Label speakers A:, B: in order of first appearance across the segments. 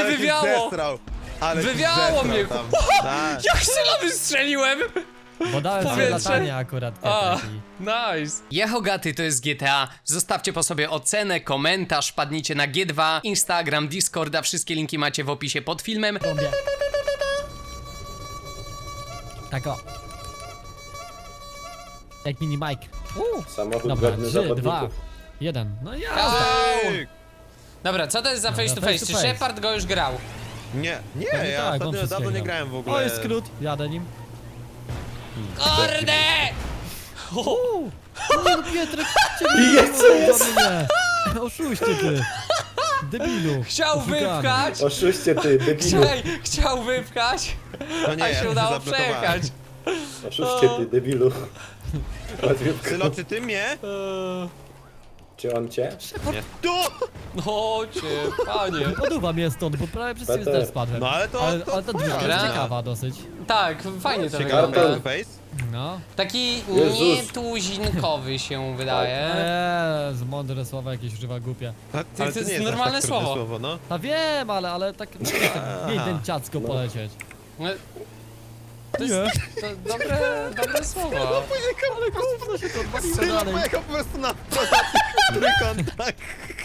A: wywiało! Wywiało mnie!
B: Tak.
A: Jak strzela wystrzeliłem!
C: Bo dałem sobie
A: Powietrze.
C: latanie akurat.
A: A,
C: taki.
A: nice. Jehogaty to jest GTA. Zostawcie po sobie ocenę, komentarz, wpadnijcie na G2, Instagram, Discorda, wszystkie linki macie w opisie pod filmem.
C: Robię. Tak o. Jak mini Mike.
D: Samochód
C: Dobra,
D: godny
C: 3, 2,
D: zawodników.
C: 1. No ja.
B: Ej!
A: Dobra, co to jest za face to face? Czy
C: face.
A: Shepard go już grał?
B: Nie,
C: Pewnie
B: ja
C: tak, on
B: ostatnio
C: wszystkiego.
B: dawno nie grałem w ogóle.
C: O, jest skrót. Jadę nim.
A: Kurde!
C: Nie no, Pietrek, ciebie
D: Jest!
C: mnie. Oszuście ty. Debilu.
A: Chciał
C: Oszukany.
A: wypchać!
D: Oszuście ty, debilu.
A: Chciał wypchać,
B: No nie,
A: a
B: ja
A: się
B: się
A: udało
B: zablokowałem.
A: przejechać.
D: Oszuście ty, debilu. Łatwiutko.
B: Sylo, czy ty mnie?
D: Czy on cię?
B: Nie. Tu!
A: Chodźcie, panie.
C: Poduwa mnie stąd, bo prawie przez
D: Peter.
C: ciebie też spadłem.
B: No ale to...
C: Ale ta druga
A: Dobra.
C: jest ciekawa dosyć.
A: Tak, fajnie to
B: Ciekawe
A: wygląda.
B: face to face.
C: No.
A: Taki
D: Jezus.
A: nietuzinkowy się wydaje.
C: Jezu, mądre słowa jakieś używa głupie.
B: Ale
A: to jest
B: nie aż
A: normalne
B: tak trudne
A: słowo.
B: no.
C: A wiem, ale tak miej ten ciacko polecieć.
A: No,
C: Nie.
A: to dobre słowo.
C: Ale gówno się to odwaliło
B: Sylo
C: dalej.
B: pojechał po prostu na kontakt.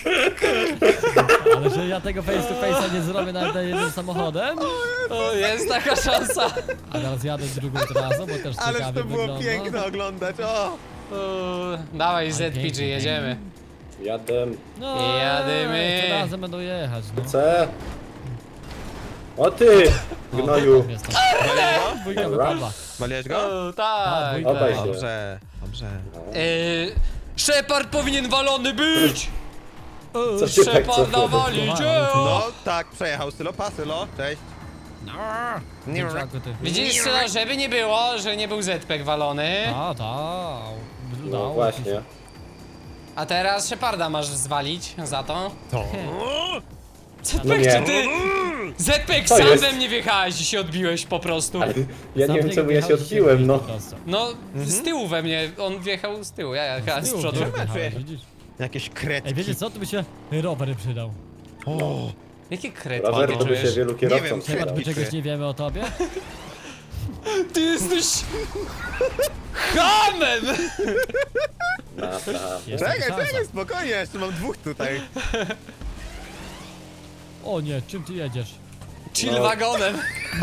C: Ale że ja tego face to face'a nie zrobię nawet jednym samochodem?
A: O, jest taka szansa.
C: A teraz jadę drugą trasą, bo też
B: Ależ
C: ciekawie
B: to było
C: wygląda.
B: piękne oglądać, o!
A: Dawaj ZPG,
C: pięknie.
A: jedziemy.
D: Jadę.
C: No,
A: Jadymy.
C: to razem będą jechać, no.
D: C. O ty,
C: O,
D: gnoju.
C: tam jest to.
B: Waliłeś go?
C: Dwójka wypadła.
B: Waliłeś go?
A: O, tak.
C: dwójka.
D: Obaj się.
B: Dobrze, dobrze.
A: Shepard powinien walony być!
D: Co się tak
A: Sheparda
D: cofnął?
A: walić!
B: No tak, przejechał Sylo, pa Sylo, cześć. Nie
C: Dzięczaku ty.
A: Widzisz, Sylo, żeby nie było, że nie był ZPEG walony,
C: A,
D: No właśnie.
A: a teraz Sheparda masz zwalić za to.
B: To?
D: No
A: ZPEG,
D: nie.
A: czy ty? ZPEG,
D: Co
A: sam
D: jest?
A: we mnie wjechałeś i się odbiłeś po prostu.
D: Ale ja nie wiem czemu ja się odbiłem, no.
A: No, z tyłu we mnie, on wjechał z tyłu, ja jechałem z przodu.
C: Widzisz?
B: Jakieś kretki.
C: Ej, wiecie co? Tu by się rower przydał.
B: O,
A: Jakie kret
D: Rower to by się wielu
B: Nie
D: kierowcom
B: wiem,
D: przydał.
C: Chyba my
B: Kretki.
C: czegoś nie wiemy o tobie?
A: Ty jesteś... Hamem!
D: Naprawdę.
C: Jest
B: czekaj,
C: taka szansa.
B: czekaj, spokojnie, jeszcze mam dwóch tutaj.
C: O nie, czym ty jedziesz?
A: Chill
D: No.
A: wagonem.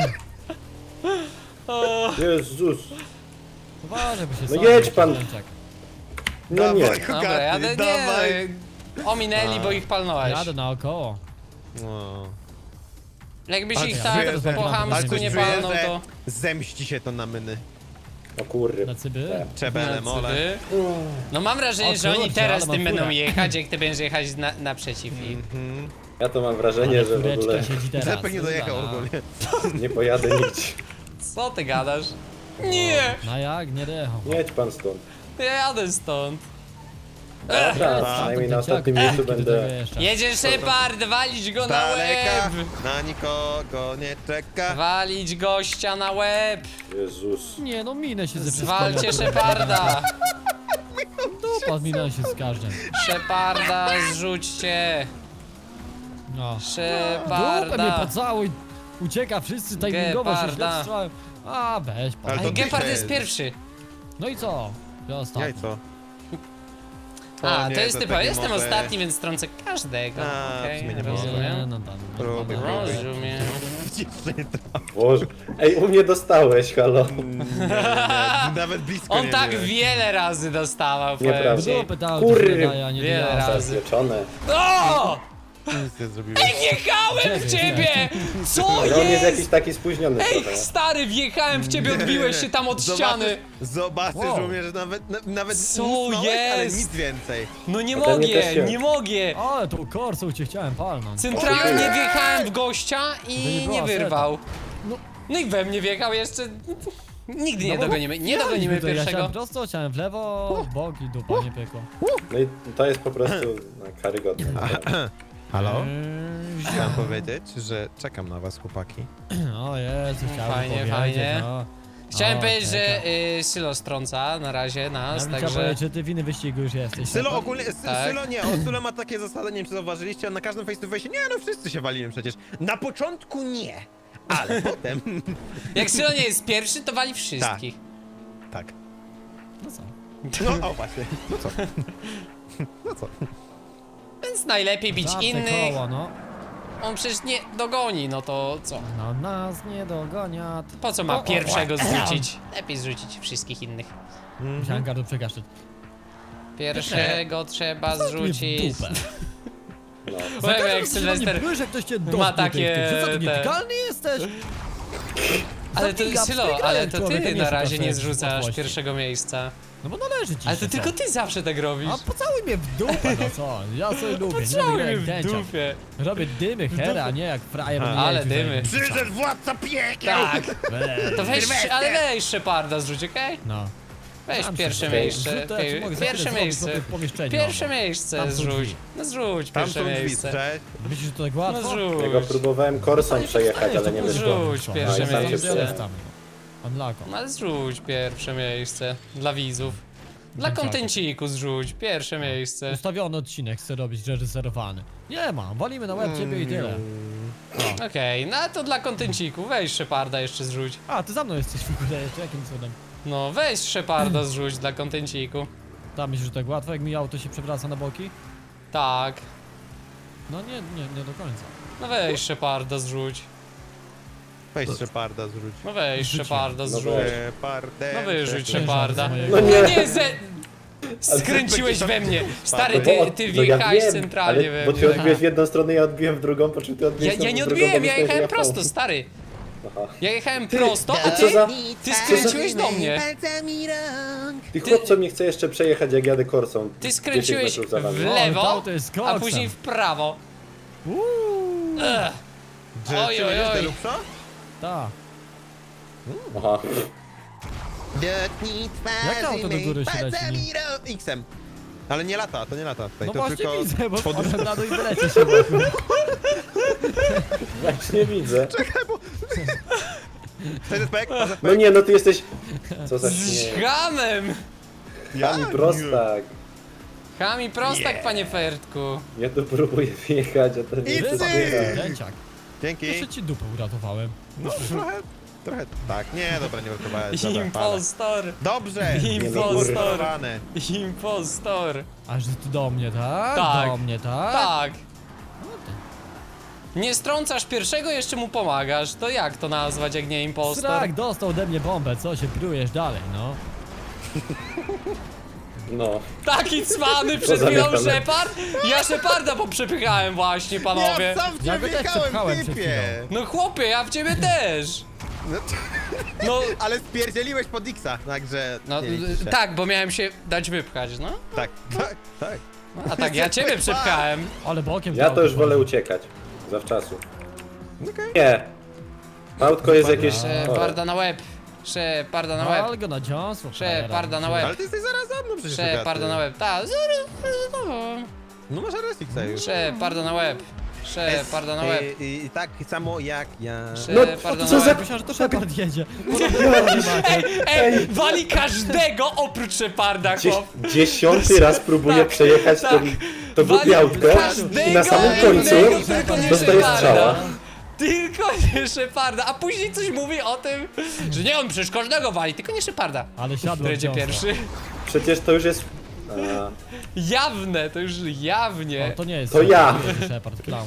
D: Jezus.
C: Uważaj, bo się
D: No
C: sam
D: jedź
C: jakiś
D: pan.
C: Dzięczak.
D: No nie.
B: Dawaj,
A: Dobra,
B: Hogaty,
A: jadę,
B: dawaj.
A: nie. Ominęli, bo ich palnąłeś.
C: Jadę naokoło.
B: O.
A: Jakbyś
B: A
A: ich
B: ty
A: tak
B: czujesz,
A: po
C: że-
A: chamsku
C: coś
A: nie
B: czuję,
A: palnął,
B: że
A: to...
B: zemści się to na myny.
D: O kurry.
C: Na cyby?
B: Czebele, mole.
A: No mam wrażenie,
C: O
A: że oni
C: kurczę,
A: teraz
C: ale
A: tym
C: mam
A: będą
C: furę.
A: jechać, jak ty będziesz jechać naprzeciw ich.
D: Ja to mam wrażenie, że w ogóle
C: Kureczka siedzi teraz.
B: Zepek nie dojechał
C: Dobra.
B: ogólnie.
D: nie pojadę nigdzie.
A: Co ty gadasz? Nie!
C: No jak? Nie dojechał.
D: Jedź pan stąd.
A: Ja jadę stąd.
D: Dobra, przynajmniej na ostatnim miejscu będę.
A: Jedzie Shepard, walić go na
B: Daleka,
A: łeb!
B: na nikogo nie czeka.
A: Walić gościa na łeb!
D: Jezus.
C: Nie no, minę się ze
A: Zwalcie Sheparda!
C: Dupa, minę się z każdym.
A: Sheparda zrzućcie!
C: No. Dupę mnie
A: Sheparda!
C: pocałuj! Ucieka wszyscy, timingowo się
A: Geparda.
C: źle strzałem. A, weź pan.
B: Ale to
A: Ej, Gepard
B: ty
A: jest
B: się-
A: pierwszy!
C: No i co? Ja ostatni.
B: Jajco.
A: A,
B: nie,
A: to jest typowe.
B: tak nie
A: Jestem
B: może.
A: ostatni, więc trącę każdego.
B: A,
A: Okej,
B: w sumie nie
A: rozumiem.
C: No tam.
B: Próbuj,
C: no,
B: próbuj.
A: Rozumiem.
D: Boże. Ej, u mnie dostałeś, halo.
B: Nawet blisko
A: On
B: nie
A: tak
B: byłeś.
A: wiele razy dostawał, powiem
D: Nieprawda.
A: ci.
C: Dupy dał,
D: Kurry.
C: wydaje, a nie
A: Wiele
C: dojechał.
A: razy.
D: Zapieczone.
A: O!
B: Nic nie zrobiłeś.
A: Wjechałem w ciebie! Co
D: Ale on jest
A: jest?
D: jakiś taki spóźniony
A: Ej,
D: trochę.
A: stary, wjechałem w ciebie, odbiłeś się tam od ściany.
B: Zobaczysz,
C: Wow.
B: że umiesz nawet
A: Co
B: nic małek, ale
A: jest?
B: nic więcej.
A: No nie
D: A ten mnie też
A: mogę,
D: się-
A: nie mogę.
C: Ale tu korsą cię chciałem palnąć.
A: Centralnie wjechałem w gościa
C: To nie
A: i
C: była
A: nie wyrwał.
C: No.
A: No i we mnie wjechał jeszcze. Nigdy nie
C: No bo
A: dogonimy, nie
C: ja
A: dogonimy
C: niby to, Ja
A: pierwszego.
C: chciałem prosto, chciałem w lewo, w bok i dupa, nie pykło.
D: No i to jest po prostu karygodne.
B: Halo? Chciałem powiedzieć, że czekam na was, chłopaki.
C: O Jezu, chciałem
A: Fajnie,
C: powiedzieć,
A: fajnie.
C: no.
A: Chciałem
C: O,
A: powiedzieć,
C: okej,
A: że Sylo strąca na razie nas,
C: Ja bym chciał
A: także...
C: powiedzieć, że ty w innym wyścigu już jesteś.
B: Sylo
C: Shepard.
B: ogólnie,
A: Tak.
B: Sylo nie, Sylo ma takie zasady, nie wiem czy zauważyliście, on na każdym face to face, nie no wszyscy się walimy przecież. Na początku nie, ale potem...
A: Jak Sylo nie jest pierwszy, to wali wszystkich.
B: Tak.
C: No co?
B: No o właśnie, no co? No co?
A: Więc najlepiej bić
C: Zawsze
A: innych.
C: koło, no.
A: On przecież nie dogoni, no to co?
C: No nas nie dogoniat.
A: Po co ma pierwszego zrzucić? Lepiej zrzucić wszystkich innych.
C: Musiałem gardło przegaszczyć.
A: Pierwszego trzeba zrzucić.
C: W dupę.
D: No.
A: Powiem jak Sylwester.
C: Nie jak ktoś cię
A: ma takie
C: Że co, ty
A: te-
C: nietykalny jesteś?
A: Ale to
C: Zabiga,
A: Sylo,
C: wstyga
A: ale
C: jak
A: to
C: człowiek, a
A: ty
C: nie
A: na razie
C: szuka
A: nie
C: sobie
A: zrzucasz
C: łatwości.
A: pierwszego miejsca.
C: No bo należy ci
A: Ale
C: się,
A: to tylko
C: co?
A: ty zawsze tak robisz.
C: A pocałuj mnie w dupę, no co? Ja sobie lubię, nie
A: Pocałuj
C: będę
A: mnie
C: jak
A: w
C: dęciak.
A: dupie.
C: Robię dymy, hera, a nie jak frajer.
B: A,
C: nie
A: ale
C: jeździ za
A: dymy.
C: jakimś
B: Przyszedł władca piekieł!
A: Tak.
C: Weź.
A: To weź, ale weź Sheparda zrzuć, okej?
C: No.
A: Weź
C: Tam
A: pierwsze
C: się
A: miejsce.
C: zrzucę, ja ci mogę za chwilę
A: Pierwsze
C: zrobić
A: miejsce.
C: sobie pomieszczenie
A: Pierwsze
C: obok.
A: miejsce
C: Tam są
A: zrzuć.
C: drzwi.
A: No zrzuć
B: Tam
A: pierwsze
B: są drzwi,
A: miejsce.
B: cześć.
C: Myślisz, że to tak
A: No
C: łatwo?
D: Ja go
A: zrzuć.
D: próbowałem korsą przejechać, ale nie wyszło.
A: Rzuć pierwsze
D: No i sam się
A: miejsce.
D: przejechał.
C: Unlocko.
A: No ale zrzuć pierwsze miejsce. Dla widzów. Dla
C: Dziękuję.
A: kontenciku zrzuć pierwsze miejsce.
C: Ustawiony odcinek chcę robić reżyserowany. Nie ma, walimy na łeb ciebie i tyle.
A: Okej, no to dla kontenciku. Weź Sheparda jeszcze zrzuć.
C: A, ty za mną jesteś w ogóle jeszcze, jakim cudem?
A: No weź Sheparda zrzuć dla kontenciku.
C: Tam myślisz, że tak łatwo, jak mi auto się przewraca na boki?
A: Tak.
C: No nie do końca.
A: No weź Sheparda zrzuć.
B: Weź Sheparda zrzuć.
A: No weź
C: Zrzuciłem.
A: Sheparda
D: No
A: zrzuć.
D: weź.
B: Shepardem.
A: No wyrzuć
C: Przepraszam
A: Sheparda.
C: za mojego-
D: No
A: No
D: nie.
A: nie, skręciłeś we mnie. Stary, ty
D: No ja
A: wjechałeś
D: wiem,
A: centralnie
D: ale,
A: we
D: bo
A: mnie.
D: ty odbiłeś w jedną stronę, ja odbiłem w drugą, po czym ty odbiłeś
A: Ja nie
D: w drugą,
A: odbiłem,
D: bo
A: ja
D: myślałem, że
A: jechałem
D: ja
A: prosto,
D: pał.
A: stary.
D: Aha.
A: Ja jechałem prosto, a
D: Co
A: ty,
D: za...
A: ty skręciłeś do mnie.
D: Ty chłopco mnie chce jeszcze przejechać, jak jadę korsą.
A: Ty
D: 10
A: skręciłeś
D: metrów za wami.
A: w
C: O,
A: lewo,
C: to auto jest
A: a
C: koksem.
A: później w prawo. Ech.
B: Czy
A: Oj, oj, oj.
B: Lupszo?
C: Ta.
D: Aha.
B: Dotknij twarzy
C: Jak to auto do góry się leci?
B: palcami X-em. Ale nie lata, to nie lata tutaj,
C: No
B: to
C: właśnie
B: tylko...
C: widzę, bo
B: pod-
C: wpadłem na dół i wylecie się wokół.
D: Właśnie widzę.
B: Respekt,
D: No nie, no ty jesteś... Co za
A: Z
D: śmiech.
A: hamem!
D: Jami prostak.
A: Chami prostak, panie Fertku.
D: Ja tu próbuję wjechać, a ten nie
B: Idź
D: chce
B: ty!
D: wjechać.
C: Dęciak.
B: Dzięki.
C: Jeszcze ci dupę uratowałem.
B: No trochę, tak, nie, dobra, nie uratowałeś, dobra, ale-
A: Impostor!
B: Dobrze!
A: Impostor.
B: Uratowane.
A: Impostor!
C: Aż ty do mnie, tak?
A: Tak.
C: Do mnie, tak?
A: Tak!
C: No to-
A: Nie strącasz pierwszego, jeszcze mu pomagasz. To jak to nazwać, jak nie impostor?
C: Srak, dostał ode mnie bombę, co się prujesz dalej, no?
D: No.
A: Taki cwany przed
D: za
A: chwilą
D: mieszkanie.
A: Shepard? Ja Sheparda poprzepychałem właśnie, panowie.
B: Ja sam w
C: Ja
B: ciebie
C: go też
B: wjechałem,
C: przepchałem przed
B: typie!
A: No chłopie, ja w ciebie też.
B: No,
A: No,
B: ale spierdzieliłeś pod X-a, także...
A: no
B: nie liczy się.
A: tak, bo miałem się dać wypchać, no.
B: Tak, tak.
A: A tak, ja ciebie przepchałem.
C: Ale bokiem
D: Ja to już wolę
C: uciec.
D: uciekać. Zawczasu.
B: Okej.
D: Nie. Autko jest jakieś...
A: Sheparda na łeb. Sheparda na łeb.
C: Ale go na dziąsło.
A: Sheparda na
B: Ale
A: łeb.
B: ty jesteś zaraz za mną przecież.
A: Sheparda na łeb. Tak,
B: No masz RSX-a już.
A: Sheparda na łeb. Sheparda na łeb.
B: I tak samo jak ja.
A: Sheparda
D: co
A: na
D: za-
A: łeb.
C: Myślałem, że to Shepard jedzie.
A: Ej, wali każdego oprócz Sheparda, chłop.
D: 10 raz próbuję
A: Tak,
D: przejechać
A: tak.
D: to głupie autko i na samym końcu
A: innego, tylko nie
D: dostaję
A: Sheparda.
D: strzała.
A: Tylko nie Sheparda, a później coś mówi o tym, że nie, on przecież każdego wali, tylko nie Sheparda.
C: Ale siadło w
A: Będzie
C: dziąsło.
A: pierwszy.
D: Przecież to już jest... A,
A: Jawne, to już jawnie.
C: O, to nie jest
D: To ja.
C: Shepard, clown.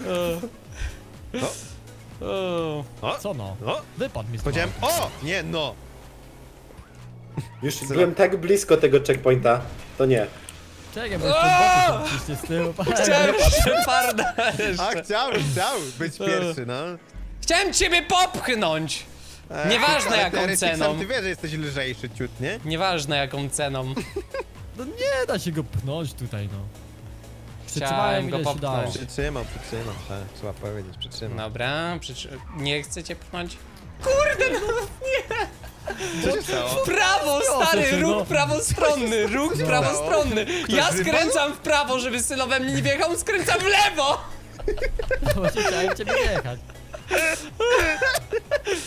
A: O.
B: O,
C: Co no?
B: no.
C: Wypadł mi z
B: Powiedziałem,
C: tego.
B: o! Nie, no.
D: już byłem tak blisko tego checkpointa. To nie.
C: Czekaj, bo jeszcze boki tam ciśnie z tyłu.
A: Chciałem Sheparda
B: A
A: jeszcze.
B: chciał być pierwszy, no.
A: Chciałem ciebie popchnąć. Nieważne
B: Ale
A: jaką
B: ty RSX-em
A: ceną.
B: Ty wiesz, że jesteś lżejszy ciut, nie?
A: Nieważne jaką ceną.
C: No nie da się go pchnąć tutaj, no.
A: Chciałem
C: Przytrzymałem
A: go
C: ile się dało.
A: popchnąć.
B: Przytrzymam, tak. Trzeba powiedzieć, przytrzymam.
A: Dobra, nie chcecie pchnąć? Kurde, no
B: Co się stało?
A: w prawo, stary,
C: cię,
A: róg
C: no.
A: prawostronny, róg prawostronny. Ja skręcam w prawo, żeby Sylo we mnie nie wjechał, on skręca w lewo.
C: Właśnie chciałem ciebie jechać.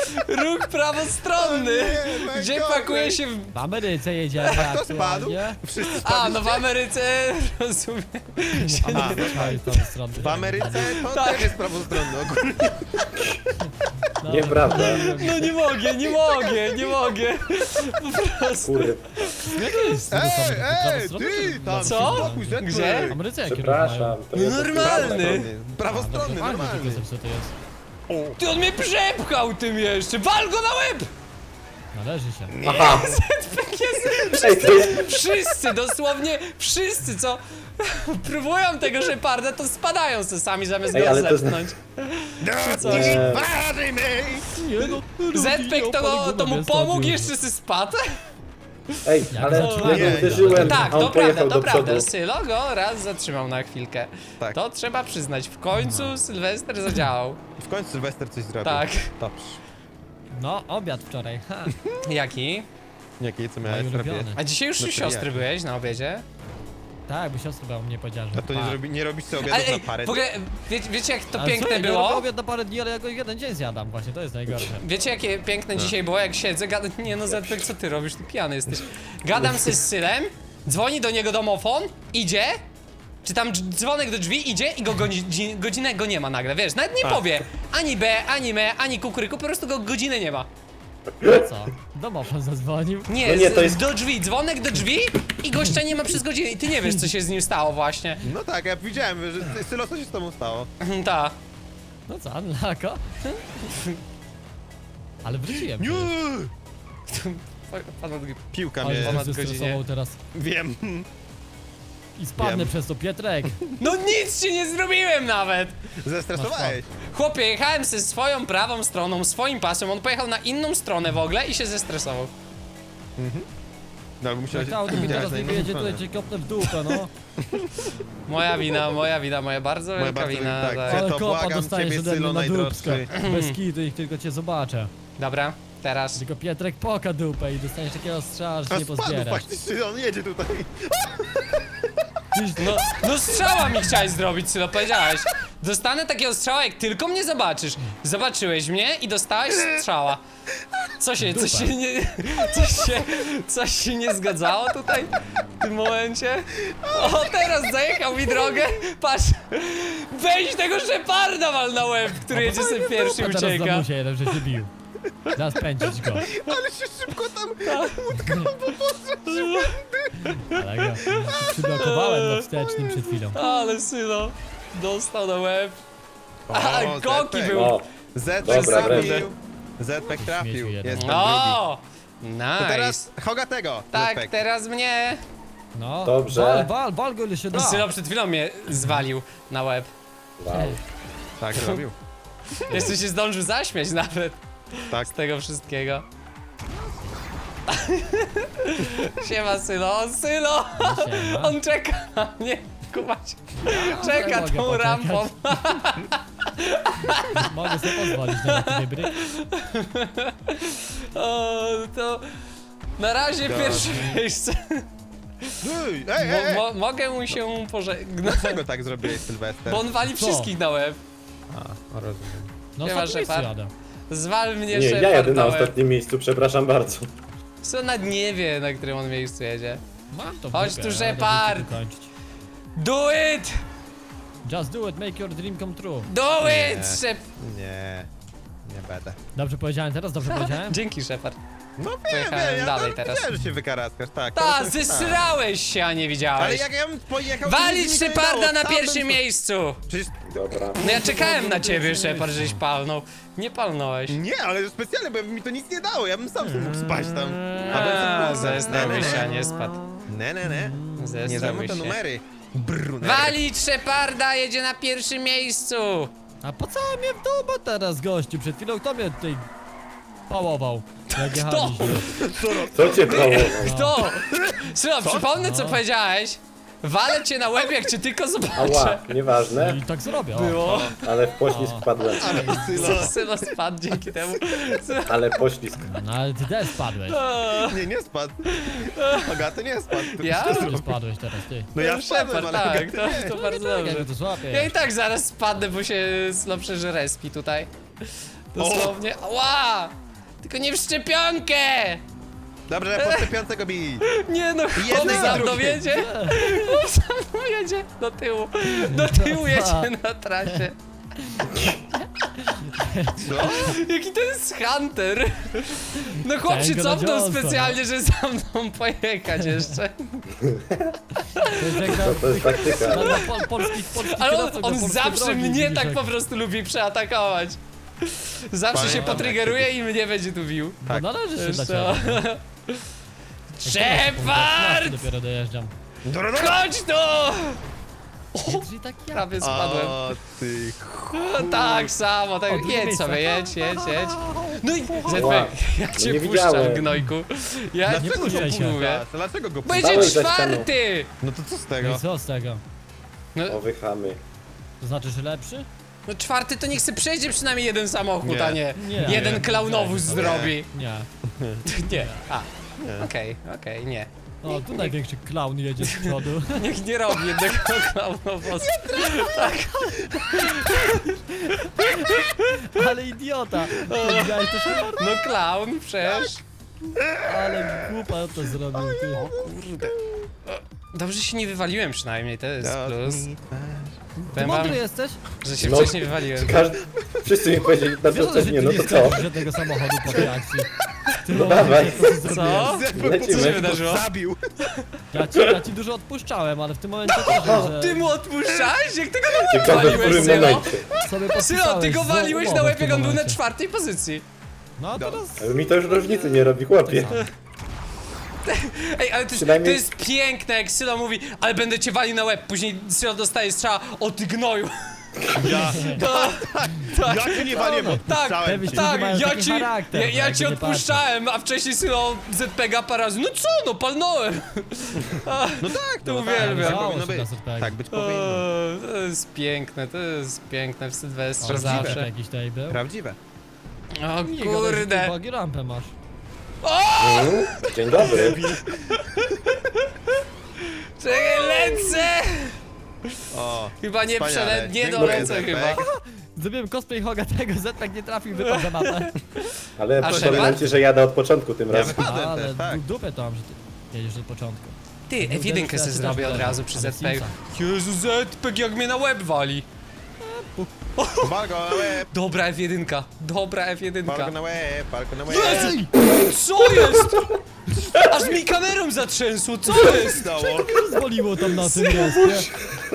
A: Ruch prawostronny!
B: O nie,
A: Gdzie
B: najgorzej.
A: pakuje się w...
C: W Ameryce jedziemy
B: Kto spadł?
C: aktualnie.
B: Wszyscy
A: A,
B: spadli.
A: no w Ameryce, rozumiem.
C: W Ameryce jest tam strony.
B: W Ameryce to
A: Tak.
B: też jest prawostronny ogólnie.
C: No,
D: Nieprawda.
A: No nie mogę. Po prostu.
D: Kurde.
C: Jakie jest
B: Ej,
C: prawostronny
B: ty,
C: czy
B: tam
A: Co?
B: się spokój, Zetek.
A: Gdzie?
C: W Ameryce jakie
D: Przepraszam. To
A: No
D: jest
A: normalny.
B: Prawostronny, normalny.
C: Co to jest?
A: Ty on mnie przepchał tym jeszcze! Wal go na łeb!
C: Należy się.
D: Aha.
A: Jest...
D: Ej, to jest...
A: Wszyscy, dosłownie wszyscy, co próbują tego Sheparda, to spadają se sami zamiast
D: Ej,
A: go
D: ale to
A: zepchnąć.
B: No,
D: Nie.
B: ważymy!
C: Nie no,
A: Zepek to mu pomógł, jeszcze se spadł?
D: Ej,
C: Jak
D: ale
C: zacząłem?
D: ja go uderzyłem,
A: Tak,
D: a on
A: to
D: pojechał
A: prawda,
D: do
A: to prawda.
D: przodu.
A: Sylo go raz zatrzymał na chwilkę.
B: Tak.
A: To trzeba przyznać, w końcu Sylwester zadziałał.
B: W końcu Sylwester coś zrobił.
A: Tak.
B: Dobrze.
C: No, obiad wczoraj, ha.
A: Jaki?
B: Jakie, co
C: Mój
B: miałeś robić?
C: ulubiony.
A: A dzisiaj już
B: No
A: u
B: to
A: siostry
B: jak?
A: byłeś na obiedzie?
C: Tak, bo siostra była mnie powiedziała, że
B: A to nie robisz sobie
A: Ale
B: obiadów
A: ej,
B: na parę
A: w ogóle, wiecie jak to
C: Ale
A: piękne
C: co, ja nie
A: było?
C: robię obiad na parę dni, ale ja go jeden dzień zjadam właśnie, to jest najgorsze.
A: Wiecie jakie piękne
B: No.
A: dzisiaj było, jak siedzę, gadam, nie no Zetek, co ty robisz, ty pijany jesteś. Gadam se z Sylem, dzwoni do niego domofon, idzie, czy tam dzwonek do drzwi, idzie i go godzinę go nie ma nagle, wiesz, nawet nie
B: A.
A: powie ani B, ani me, ani kukuryku, po prostu go godzinę nie ma.
C: Co? Domofon zadzwonił.
A: Nie,
D: No nie, to jest-
A: do drzwi, dzwonek do drzwi i gościa nie ma przez godzinę i ty nie wiesz co się z nim stało właśnie.
B: No tak, ja widziałem, że Sylo, co się z tobą stało?
A: Ta.
C: No co, Anlako? Ale wróciłem.
B: Nie! Piłka
C: Ale
B: mnie...
C: się
A: ponad
C: zestresował
A: godzinie.
C: teraz.
B: Wiem.
C: I spadnę
B: Wiem.
C: przez to, Pietrek.
A: No nic ci nie zrobiłem nawet!
B: Zestresowałeś.
A: Chłopie, jechałem ze swoją prawą stroną, swoim pasem, on pojechał na inną stronę w ogóle i się zestresował.
B: No, ale musiałeś...
C: Jak auto mi
B: widziałeś
C: teraz
B: na
C: nie
B: inną
C: wyjedzie,
B: stronę.
C: to cię kopnę w dupę, no.
A: Moja bardzo
B: Moja
A: wielka
B: bardzo
A: wina.
B: tak.
A: Tak.
B: Ja
C: Ale
B: to
C: kopa
B: błagam
C: dostajesz
B: ciebie,
C: ode mnie
B: Sylo,
C: na
B: najdroższy.
C: dupsko. Bez kitu i tylko cię zobaczę.
A: Dobra, teraz.
C: Tylko Pietrek poka dupę i dostaniesz takiego strzała, że
B: A
C: nie
B: spadł
C: pozbierasz.
B: faktycznie, on jedzie tutaj.
A: No strzała mi chciałeś zrobić, Sylo, powiedziałeś. Dostanę takiego strzała, jak tylko mnie zobaczysz. Zobaczyłeś mnie i dostałeś strzała. Coś się nie zgadzało tutaj w tym momencie? O, teraz zajechał mi drogę. Patrz, weź tego Sheparda wal na łeb, który jedzie sobie pierwszy i
C: A teraz za
A: ucieka.
C: musie jeden, że się bił. Teraz pędzić go.
B: Ale się szybko tam...
C: Ale go przyblokowałem na wstecznym przed chwilą.
A: Ale Sylo, dostał na łeb. A,
B: O,
A: Koki
B: Zetek.
A: był.
D: O,
B: Zetek
D: Dobra,
B: trafił. Zetek trafił.
C: Śmieciu jeden.
B: Jestem drugi.
A: O!
B: To
A: Nice.
B: teraz Hogatego.
A: Tak,
B: Zetek.
A: teraz mnie.
C: No,
D: Dobrze.
C: wal go ile się da.
A: Sylo przed chwilą mnie zwalił na łeb.
D: wow.
B: Tak zrobił.
A: Jeszcze się zdążył zaśmiać nawet
B: Tak.
A: z tego wszystkiego. Siema Sylo, Sylo!
C: Siema.
A: On czeka na mnie, kumać. Czeka
C: mogę
A: tą
C: poczekać.
A: rampą.
C: Mogę sobie pozwolić na taki wybryk.
A: O, to na razie
B: God.
A: pierwsze miejsce.
B: Ej.
A: Mogę mu się pożegnać,
B: Dlaczego tak zrobiłeś, Sylwester?
A: bo on wali
C: Co?
A: wszystkich na łeb.
B: A, rozumiem.
C: No
A: Nie ma
C: ostatni miejscu
A: Shepard.
C: jadę.
A: Zwal mnie
D: Nie, ja
A: Shepard
D: jadę na
A: łeb.
D: ostatnim miejscu, przepraszam bardzo.
A: Co nad nie wie, na którym on miejscu jedzie.
C: Mam to w
A: Chodź
C: dupie,
A: tu,
C: ale
A: Shepard.
C: będę kończyć.
A: Do it!
C: Just do it, make your dream come true.
A: Do
B: Nie.
A: it, Shep...
B: Nie będę.
C: Dobrze powiedziałem teraz, dobrze powiedziałem?
A: Dzięki, Shepard.
B: No
A: Pojechałem
B: ja
A: dalej
B: tam
A: teraz.
B: Widziałem, że się wykaraskasz, tak.
A: Ta,
B: to-
A: zesrałeś się, a nie
B: Ale
A: widziałeś.
B: jak ja bym pojechał... to
A: Walić
B: nic mi to nie
A: Sheparda
B: dało,
A: na
B: sam
A: pierwszym
B: bym-
A: miejscu!
B: Przecież...
D: Dobra.
A: No ja czekałem na ciebie, Shepard, żeś palnął. Nie palnąłeś.
B: Nie, ale specjalnie, bo mi to nic nie dało, ja bym sam mógł spać tam.
A: A,
B: bym
A: zestrałeś się, a nie spadł.
B: Nie. Nie
A: Zestrałeś
B: zajmuj te
A: się.
B: numery. Brunner.
A: Walić Sheparda, jedzie na pierwszym miejscu!
C: A po co mnie w dupę teraz, gościu? Przed chwilą kto mnie tutaj pałował? Jak jechaliśmy.
D: Co cię pałował?
A: Kto? Sylo, przypomnę co
C: No.
A: powiedziałeś. Walę cię na łeb, jak cię tylko zobaczę.
D: Ała, nieważne,
C: I tak zrobię. O.
A: Było.
D: ale w poślizg wpadłem.
A: Sylo spadł dzięki temu.
D: Ale poślizg.
C: No ale ty też spadłeś.
B: Nie spadł. Hogaty nie spadł.
A: Ja?
C: Ty spadłeś teraz, ty.
B: No ja wpadłem,
A: Shepard,
B: ale
A: tak,
B: Hogaty nie.
A: to bardzo
C: Jak
A: dobrze.
C: to złapię.
A: Ja i tak zaraz spadnę, bo się Sylo przeży respi tutaj. Dosłownie. Ła! Tylko nie w szczepionkę!
B: Dobrze, po szczepionce go bij.
A: Nie no, chłop
B: Jednej
A: za
B: i
A: mną
B: drugiej.
A: jedzie. Chłop za mną jedzie do tyłu. Do tyłu jedzie na trasie.
B: Co?
A: Jaki to jest Hunter? No chłop się
C: Chciałem go na
A: cofnął
C: Johnsona.
A: specjalnie, żeby za mną pojechać jeszcze.
C: To jest jak
D: To jest taktyka.
C: polskich
A: Ale
C: kierowców na
A: on
C: polskie
A: zawsze
C: drogi,
A: mnie
C: widzisz,
A: tak
C: jak-
A: po prostu lubi przeatakować. Zawsze się
B: Pamiętam,
A: potrygeruje
B: jak
A: i mnie będzie tu bił.
C: No należy się dla
A: Wiesz co?
C: ciebie.
A: Shepard!
C: Dopiero dojeżdżam.
A: Chodź tu!
C: Czyli tak ja.
A: Prawie spadłem.
B: O, ty
A: No, tak samo, tak.
C: O, drugie
A: Jedź
C: miejsce.
A: sobie, jedź. No i
D: Wow.
A: Zetek, ja
D: No
A: cię
D: nie
A: puszczam,
D: widziałem.
A: gnojku. Ja
C: Nie
A: cię
C: puszczaj się.
A: mówię.
B: Dlaczego go
A: Będzie
D: Stałeś za
A: czwarty!
B: No to co z
C: No
B: tego?
C: i co z tego?
D: O, wychamy.
C: To znaczy, że lepszy?
A: No czwarty to niech se przejdzie przynajmniej jeden samochód,
B: Nie.
A: a nie
C: Nie.
A: jeden
C: Nie.
A: klaunowóz
C: Nie.
A: zrobi.
C: Nie.
A: Nie. A, okej, nie.
C: O, tu największy clown jedzie z przodu.
A: Niech nie robi jednego klaunowozu.
C: Ale idiota! Widziałeś to, Shepard?
A: No klaun, przecież.
C: Ale głupa to zrobił, ty.
A: Kurde. Dobrze się nie wywaliłem przynajmniej, to jest plus.
C: Ty
A: Powiem wam,
C: mądry jesteś?
A: że się
D: No.
A: wcześniej wywaliłem.
D: Wszyscy mi powiedzieli na
C: Wiesz,
D: to
C: że
D: też
C: ty
D: nie, no
C: nie
D: to co?
C: skręcisz żadnego samochodu po tej akcji. Ty
D: No dawaj.
A: Co?
D: Lecimy.
A: Co się wydarzyło?
B: Zabił.
C: Ja ci dużo odpuszczałem, ale w tym momencie też, że
A: Ty mu odpuszczałeś? Jak ty go
D: Ciekawe w
A: waliłeś,
D: którym
A: Sylo?
D: momencie.
C: sobie
A: Sylo,
C: podpisałeś
A: ty go
C: złą
A: waliłeś na
C: umowę
A: łeb,
C: w tym
A: jak on był na
C: momencie.
A: czwartej pozycji.
C: No a teraz...
D: Ale mi to już różnicy nie robi, chłopie.
A: Ej, ale to jest,
D: Przynajmniej-
A: to jest piękne, jak Sylo mówi, ale będę cię walił na łeb. Później Sylo dostaje strzała, o ty gnoju.
B: Ja.
A: Tak,
B: Ja cię nie waliłem,
A: tak,
B: odpuszczałem
C: Pewnie
B: cię.
C: Ludzie
A: tak,
C: mają
A: ja
C: taki
A: ci,
C: charakter,
A: ja
C: jakby
A: ci
C: nie
A: odpuszczałem, a wcześniej Sylo ZPG parę razy. No co, no palnąłem.
B: No tak,
A: To
B: no
A: uwielbiam.
B: tak,
C: Dało
B: powinno
C: się
B: być.
C: na ZPG.
B: Tak być powinno.
A: To jest piękne, to jest piękne w Sylwestrze
B: Prawdziwe.
A: zawsze.
C: Jakiś tutaj był.
B: Prawdziwe.
A: O
C: Nie gadaj, że ty
A: kurde.
C: bagi rampę masz.
D: Dzień dobry.
A: Czekaj, lecę!
B: O.
A: Chyba nie
B: Wspaniale.
A: nie
B: Dziękuję,
A: dolecę
B: Zepek.
A: chyba.
C: Zrobiłem cosplay Hoga tego, Zetek nie trafił, wypadł za mapę.
D: Ale
A: A
D: przypominam
A: Shepard?
D: ci, że jadę od początku tym
B: Ja
D: razem.
B: wypadłem
C: Ale
B: też, tak.
C: dupę to mam, że ty jedziesz od początku.
A: Ty, F1
C: Uderzysz,
A: se
C: ja
A: zrobię
C: też
A: od
C: uderzę.
A: razu przy
C: Ale
A: ZPG.
C: Simsa.
A: Jezu, ZPG jak mnie na łeb wali.
B: Pal go na łeb,
A: Dobra F1, dobra
B: pal go
A: F1.
B: na łeb, pal go na łeb.
A: Jezu! Co jest? Aż mi kamerą zatrzęsło, co jest?
B: Stało?
C: Rozwaliło tam na tym respie.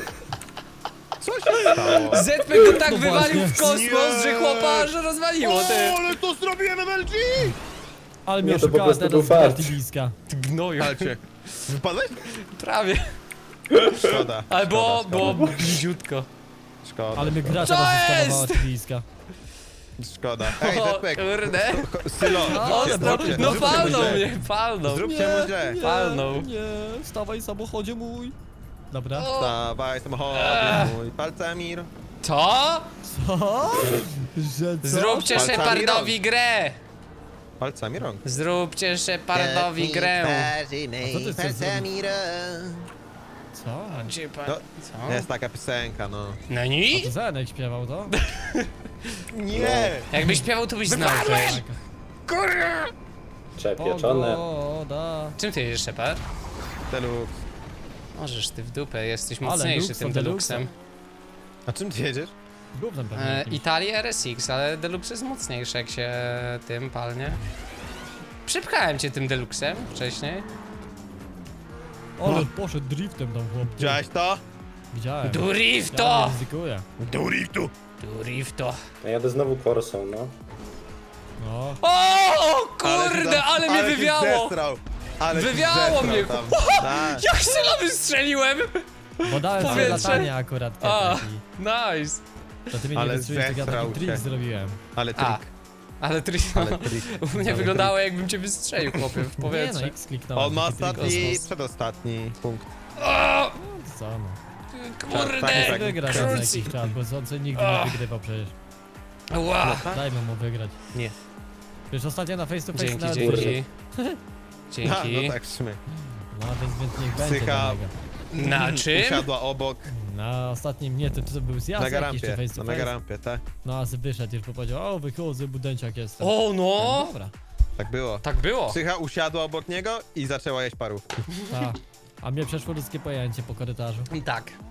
B: Co się stało?
A: ZPG go tak
C: No
A: wywalił w
C: właśnie.
A: kosmos,
B: Nie.
A: że chłopa, że rozwaliło, ty.
B: ale to zrobiłem MLG!
C: Ale mnie
D: Nie, to po
C: oszukała
D: prostu
C: teraz
D: był
C: z
D: fart.
C: Bratyliska.
A: Ty gnoju.
B: Palcie. Wypadłeś?
A: Prawie.
B: Szkoda.
A: Ale było
B: szkoda.
A: bliziutko.
B: Szkoda.
C: Ale mnie gra
A: Co
C: teraz
A: jest?
C: zeskanowała Tyliska.
B: Szkoda. Ej,
A: O,
B: Zepek.
A: kurde.
B: Sylo,
C: ale
B: zróbcie,
A: No
B: zróbcie mu
A: palnął
B: źle.
A: mnie, palnął.
B: Zróbcie mu źle.
A: Palnął.
C: Nie, stawaj samochodzie mój. Dobra.
A: O,
B: Dawaj samochód mój, palcamir.
A: Co?
C: Co? Że co?
A: Zróbcie
B: Palcami
A: Shepardowi grę!
B: Palcami rąk.
A: Zróbcie Shepardowi grę.
C: A co ty chcesz zrobić? Co?
A: Gdzie pan?
B: No,
A: Co?
B: jest taka piosenka, no.
A: No
C: A
A: ni?
C: to Zenek śpiewał to?
B: Nie!
A: Jakbyś śpiewał, to byś znał. przecież.
D: Przepieczone.
C: Pogoda.
A: Czym ty jedziesz, Shepard?
B: Deluxe.
A: Możesz ty w dupę, jesteś
C: Ale
A: mocniejszy
C: Luxo,
A: tym Deluxem.
B: A czym ty jedziesz?
C: Gównem pewnie jakimś.
A: Italia RSX, ale Deluxe jest mocniejszy, jak się tym palnie. Przypchałem cię tym Deluxem wcześniej.
C: Ale poszedł driftem tam chłop.
B: Widziałeś to?
C: Widziałem. Ja
A: Durifto!
C: nie ryzykuję.
B: Duriftu!
A: Durifto.
D: Ja jadę znowu Corsą, no.
C: No.
A: O kurde, ale mnie wywiało! Wywiało mnie.
B: Tak.
A: Jak Sylo wystrzeliłem!
C: Bo dałem sobie
A: Powietrze.
C: latanie akurat.
A: A,
C: Kietek,
A: nice.
C: i to ty mnie nie
B: Ale
C: wystrzeliłeś, tak ja
B: zesrał
C: taki trik
B: się.
C: zrobiłem.
B: Ale
A: A,
B: trik,
A: ale trik.
B: ale trik.
A: U mnie wyglądało jakbym cię wystrzelił, chłopie, w
C: Nie no,
A: powietrze.
C: X kliknąłem.
B: On ma
C: taki trik
B: ostatni,
C: kosmos.
B: przedostatni punkt.
A: O,
C: No, co no.
A: kurde!
B: tak.
C: Wygra ten
A: Krucy.
C: jakiś czas, bo on nigdy nie wygrywał przecież.
A: Ła.
C: Dajmy mu wygrać.
B: Nie.
C: Wiesz, ostatnio na face to face
A: Dzięki,
C: nawet
A: dzięki.
C: wyszedł.
A: Dzięki.
B: No tak, trzymaj.
C: No więc niech będzie
B: Psycha.
C: do niego.
A: Na czym?
B: Usiadła obok,
C: Na ostatnim, nie, to był zjazd
B: na
C: jakiś
B: garampie,
C: czy face to
B: na
C: face.
B: garampie, tak?
C: No a wyszedł już, bo powiedział, o wychodzę, budenciak jestem.
A: O no!
C: Dobra.
B: Tak było.
A: Tak było.
B: Psycha usiadła obok niego i zaczęła jeść parówki.
C: Tak. A mnie przeszło ludzkie pojęcie po korytarzu.
A: I tak.